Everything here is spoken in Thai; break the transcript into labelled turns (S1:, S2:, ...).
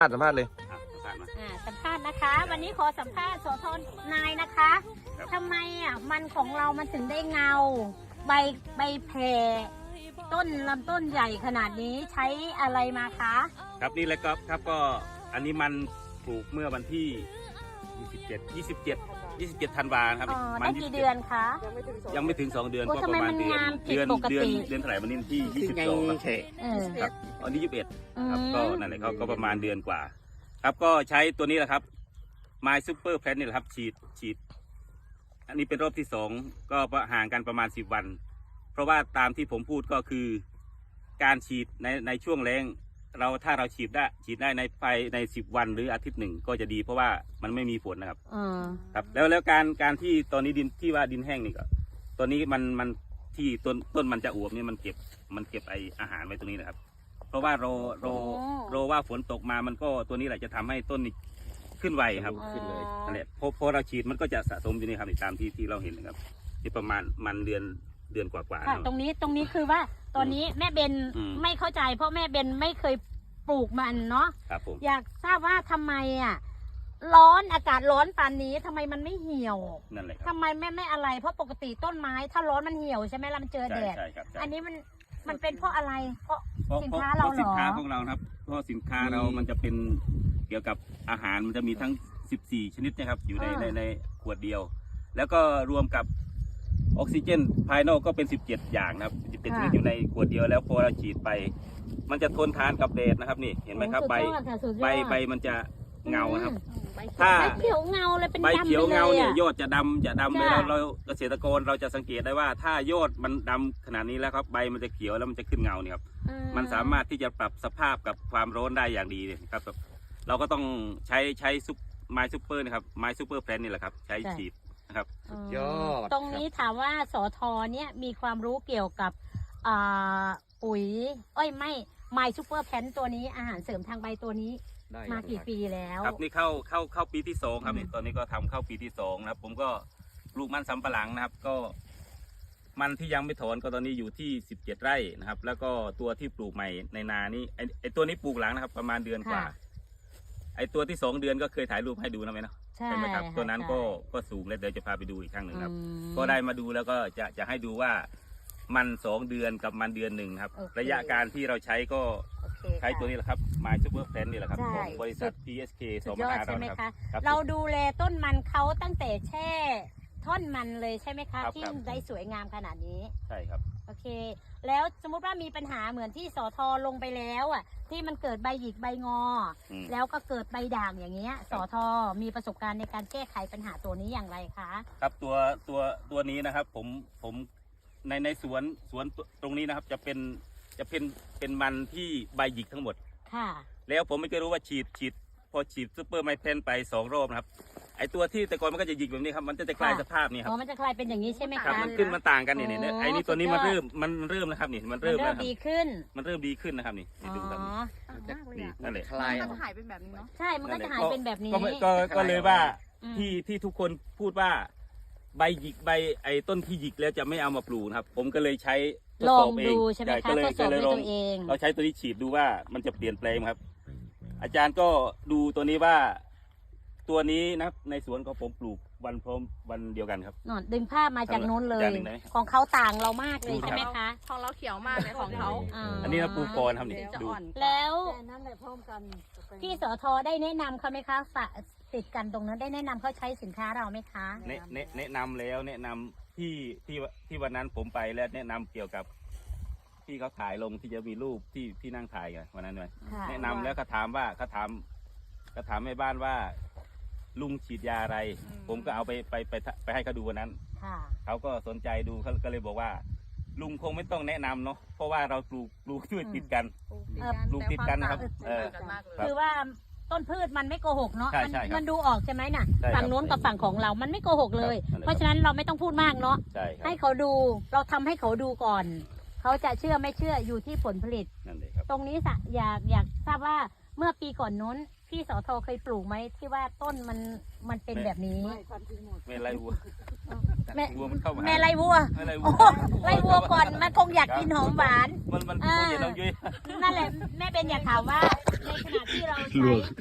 S1: สัมภาษณ์เลย
S2: สัมภาษณ์นะคะวันนี้ขอสัมภาษณ์โสธรนายนะคะทำไมมันของเรามันถึงได้เงาใบแผ่ต้นลำต้นใหญ่ขนาดนี้ใช้อะไรมาคะ
S3: ครับนี่แหละครับก็อันนี้มันปลูกเมื่อวันที่27ธันวาคมครับ
S2: ได้กี่เดือนคะ
S3: ยังไม่ถึง2 เดือนก็ประมาณเดือนเท่าไหร่วันนี้ที่22ครับอันนี้21ครับก็นั่นแหละก็ประมาณเดือนกว่าครับก็ใช้ตัวนี้แหละครับ My Super Plant นี่แหละครับฉีดอันนี้เป็นรอบที่2ก็ห่างกันประมาณ10 วันเพราะว่าตามที่ผมพูดก็คือการฉีดในช่วงแล้งถ้าเราฉีดได้ใน10 วันหรืออาทิตย์หนึ่งก็จะดีเพราะว่ามันไม่มีฝนนะครับครับแล้วการที่ตอนนี้ดินที่ว่าดินแห้งนี่ก็ตอนนี้มันที่ต้นมันจะอวบนี่มันเก็บไออาหารไว้ตรงนี้นะครับเพราะว่าโรว่าฝนตกมามันก็ตัวนี้แหละจะทำให้ต้นนี้ขึ้นไวครับขึ้นเลยนั่นแหละพอเราฉีดมันก็จะสะสมอยู่นี่ครับตามที่เราเห็นนะครับที่ประมาณมันเดือนกว่า
S2: ตรงนี้คือว่าตอนนี้แม่เบนไม่เข้าใจเพราะแม่เบนไม่เคยปลูกมันเนาะอยากทราบว่าทำไมร้อนอากาศร้อนปานนี้ทำไมมันไม่เหี่ยว
S3: นั่นแหละ
S2: ทำไมไม่อะไรเพราะปกติต้นไม้ถ้าร้อนมันเหี่ยวใช่ไหมล่ะมันเจอแดดอันนี้มันเป็นเพราะอะไรเพราะสินค้าเราเหรอ
S3: สินค้าของเราครับเพราะสินค้าเรามันจะเป็นเกี่ยวกับอาหารมันจะมีทั้ง14 ชนิดนะครับอยู่ในขวดเดียวแล้วก็รวมกับออกซิเจนภายนอกก็เป็น17 อย่างนะครับ17 ชนิดอยู่ในขวดเดียวแล้วพอเราฉีดไปมันจะทนทานกับแดดนะครับนี่เห็นไหมครับใบมันจะเงาครับถ้า
S2: ใบเขียวเงาเลยเป็น
S3: ใบเขียวเงาเนี่ยยอดจะดำเลยเราเกษตรกรเราจะสังเกตได้ว่าถ้ายอดมันดำขนาดนี้แล้วครับใบมันจะเขียวแล้วมันจะขึ้นเงาเนี่ยครับมันสามารถที่จะปรับสภาพกับความร้อนได้อย่างดีเลยครับเราก็ต้องใช้My Super นะครับ My Super Plant นี่แหละครับใช้ฉีดนะครับ
S1: ยอด
S2: ตรงนี้ถามว่าสทเนี่ยมีความรู้เกี่ยวกับปุ๋ยไม่ My Super Plant ตัวนี้อาหารเสริมทางใบตัวนี้มากี่ปีแล้ว
S3: ครับนี่เข้าปีที่2ครับนี่ตอนนี้ก็ทำเข้าปีที่2นะครับผมก็ปลูกมันสำปะหลังนะครับก็มันที่ยังไม่ถอนก็ตอนนี้อยู่ที่17 ไร่นะครับแล้วก็ตัวที่ปลูกใหม่ในนานี้ไอตัวนี้ปลูกหลังนะครับประมาณเดือนกว่าไอตัวที่2 เดือนก็เคยถ่ายรูปให้ดูนะไหมเนาะใช่ไหมครับตัวนั้นก็สูงแล้วเดี๋ยวจะพาไปดูอีกครั้งหนึ่งครับก็ได้มาดูแล้วก็จะให้ดูว่ามัน2 เดือนกับมันเดือนหนึ่งครับระยะการที่เราใช้ก็ใช้ตัวนี้แหละครับ My Super Plant นี่แหละครับของบริษัท PSK
S2: 2.5 เราครับเราดูแลต้นมันเขาตั้งแต่แช่ท่อนมันเลยใช่ไหมคะที่ได้สวยงามขนาดนี้
S3: ใช่ครับ
S2: โอเคแล้วสมมุติว่ามีปัญหาเหมือนที่สทลงไปแล้วที่มันเกิดใบหยิกใบงอแล้วก็เกิดใบด่างอย่างเงี้ยสทมีประสบการณ์ในการแก้ไขปัญหาตัวนี้อย่างไรคะ
S3: ครับตัวนี้นะครับผมในสวนตรงนี้นะครับจะเป็นมันที่ใบหยิกทั้งหมดค่ะแล้วผมไม่เคยรู้ว่าพอฉีดซูเปอร์ไมเทนไป2 รอบนะครับไอตัวที่แต่ก่อนมันก็จะหยิกแบบนี้ครับมันจะกลายสภาพนี่ครับ
S2: มันจะกลายเป็นอย่างนี้ใช่ไหมคะ
S3: มันขึ้นมันต่างกันนี่ไอนี่ตัวนี้มันเริ่มนะครับนี่มันเริ่ม
S2: ดีขึ้น
S3: นะครับนี่ดูครับนั่นแหละ
S4: คลายมันจะหายเป็นแบบนี้เนาะ
S2: ใช่มันก็จะหายเป็นแบบนี้
S3: ก็เลยว่าที่ทุกคนพูดว่าใบหยิกไอต้นที่หยิกแล้วจะไม่เอามาปลูกครับผมก็เลยใช้
S2: ลองดูใช่ไหมคะทดสอบด้วยตัวเอง
S3: เราใช้ตัวนี้ฉีดดูว่ามันจะเปลี่ยนแปลงครับอาจารย์ก็ดูตัวนี้ว่าตัวนี้นะครับในสวนของผมปลูกวันเดียวกันครับ
S2: นอนดึงภาพมาจากนู้นเลยของเขาต่างเรามากเลยใช่ไหมคะ
S4: ของเราเขียวมากเลยของเขา
S3: อันนี้เราปลูกก่อนครับนี่ดู
S2: แล้วพี่สทได้แนะนำเขาไหมคะติดกันตรงนั้นได้แนะนำเขาใช้สินค้าเราไหมคะ
S3: แนะนำแล้วแนะนำที่วันนั้นผมไปแล้วแนะนำเกี่ยวกับที่เขาถ่ายลงที่จะมีรูปที่นั่งถ่ายกันวันนั้นเลยแนะนำแล้วเขาถามแม่บ้านว่าลุงฉีดยาอะไรผมก็เอาไปให้เขาดูวันนั้นเขาก็สนใจดูเขาก็เลยบอกว่าลุงคงไม่ต้องแนะนำเนาะเพราะว่าเราปลูกช่วยติดกันปลูกติดกันนะครับ
S2: คือว่าต้นพืชมันไม่โกหกเนาะมันดูออกใช่ไหมน่ะฝั่งโน้นกับฝั่งของเรามันไม่โกหกเลยเพราะฉะนั้นเราไม่ต้องพูดมากเนาะให้เขาดูเราทำให้เขาดูก่อนเขาจะเชื่อไม่เชื่ออยู่ที่ผลผลิตตรงนี้อยากทราบว่าเมื่อปีก่อนนู้นพี่สทเคยปลูกไหมที่ว่าต้นมันเป็นแบบนี้
S3: ไม่ไรวัว
S2: แม่
S3: วัวมันเข้ามา
S2: แม่ไล่วัว
S3: ไล่วั
S2: โอ้
S3: ว
S2: ไล่วัวก่อนมันคงอยากกินหอมหวาน
S3: มันตัวใหญ่น้องยุ้ย
S2: นั่นแหละแม่เป็นอยากถามว่าในขณะที่เราใช้